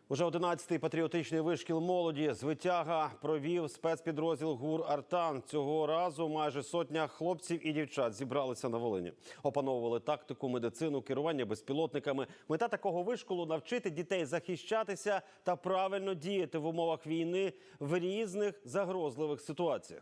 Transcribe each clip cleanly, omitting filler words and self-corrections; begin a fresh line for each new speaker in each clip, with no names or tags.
Уже 11-й патріотичний вишкіл молоді «Звитяга» провів спецпідрозділ ГУР «Артан». Цього разу майже сотня хлопців і дівчат зібралися на Волині. Опановували тактику, медицину, керування безпілотниками. Мета такого вишколу – навчити дітей захищатися та правильно діяти в умовах війни в різних загрозливих ситуаціях.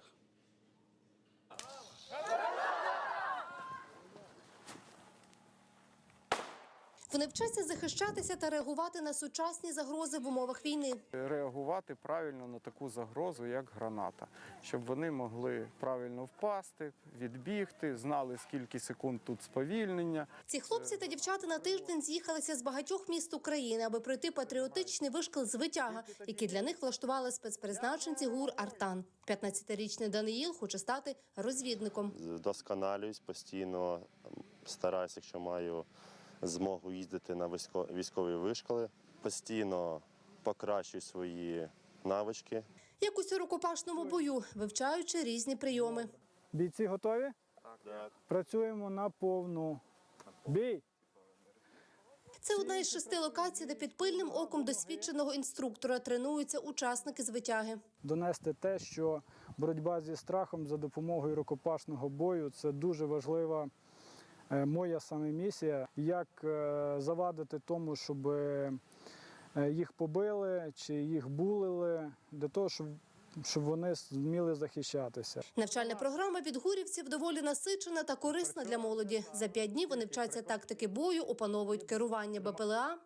Вони вчаться захищатися та реагувати на сучасні загрози в умовах війни.
Реагувати правильно на таку загрозу, як граната. Щоб вони могли правильно впасти, відбігти, знали, скільки секунд тут сповільнення.
Ці хлопці та дівчата на тиждень з'їхалися з багатьох міст України, аби пройти патріотичний вишкіл «Звитяга», який для них влаштували спецпризначенці ГУР «Артан». 15-річний Даниїл хоче стати розвідником.
Вдосконалююсь, постійно стараюся, якщо маю змогу їздити на військові вишколи, постійно покращую свої навички.
Як у рукопашному бою, вивчаючи різні прийоми.
Бійці готові?
Так.
Працюємо на повну. Бій!
Це одна із 6 локацій, де під пильним оком досвідченого інструктора тренуються учасники «Звитяги».
Донести те, що боротьба зі страхом за допомогою рукопашного бою – це дуже важлива моя саме місія. Як завадити тому, щоб їх побили чи їх булили, для того, щоб вони вміли захищатися.
Навчальна програма від гурівців доволі насичена та корисна для молоді. За 5 днів вони вчаться тактики бою, опановують керування БПЛА,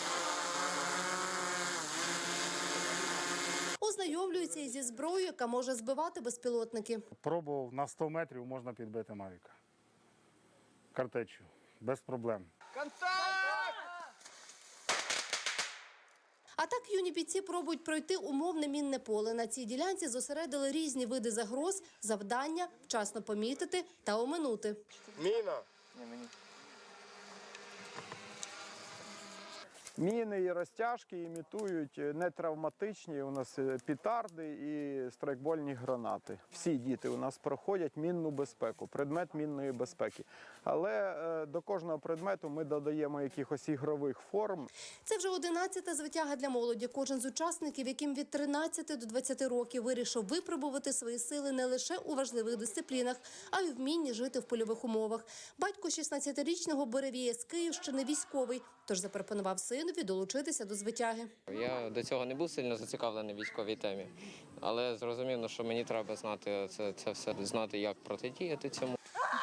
ознайомлюються із зі зброєю, яка може збивати безпілотники.
Пробував на 100 метрів можна підбити Мавіка. Картечю. Без проблем.
А так юні бійці пробують пройти умовне мінне поле. На цій ділянці зосередили різні види загроз, завдання вчасно помітити та оминути.
Міна!
Міни і розтяжки імітують нетравматичні у нас петарди і страйкбольні гранати. Всі діти у нас проходять мінну безпеку, предмет мінної безпеки. Але до кожного предмету ми додаємо якихось ігрових форм.
Це вже 11-та звитяга для молоді. Кожен з учасників, яким від 13 до 20 років, вирішив випробувати свої сили не лише у важливих дисциплінах, а й вмінні жити в польових умовах. Батько 16-річного Буревія з Київщини військовий, тож запропонував синові долучитися до звитяги.
Я до цього не був сильно зацікавлений в військовій темі, але зрозумів, що мені треба знати це все, знати, як протидіяти цьому.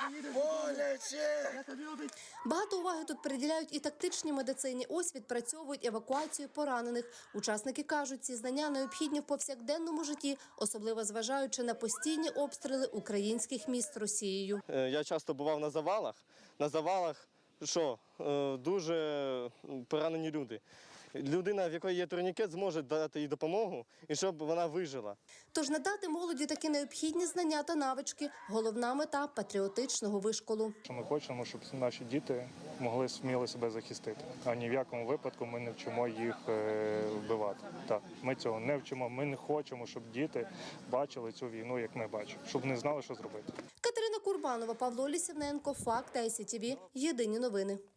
Багато уваги тут приділяють і тактичній медицині. Ось відпрацьовують евакуацію поранених. Учасники кажуть, ці знання необхідні в повсякденному житті, особливо зважаючи на постійні обстріли українських міст Росією.
Я часто бував на завалах. На завалах дуже поранені люди. Людина, в якої є турнікет, зможе дати їй допомогу, і щоб вона вижила.
Тож надати молоді такі необхідні знання та навички – головна мета патріотичного вишколу.
Ми хочемо, щоб наші діти могли сміло себе захистити, а ні в якому випадку ми не вчимо їх вбивати. Так, ми цього не вчимо, ми не хочемо, щоб діти бачили цю війну, як ми бачимо, щоб не знали, що зробити.
Катерина Курбанова, Павло Лісівненко, Факт ICTV. Єдині новини.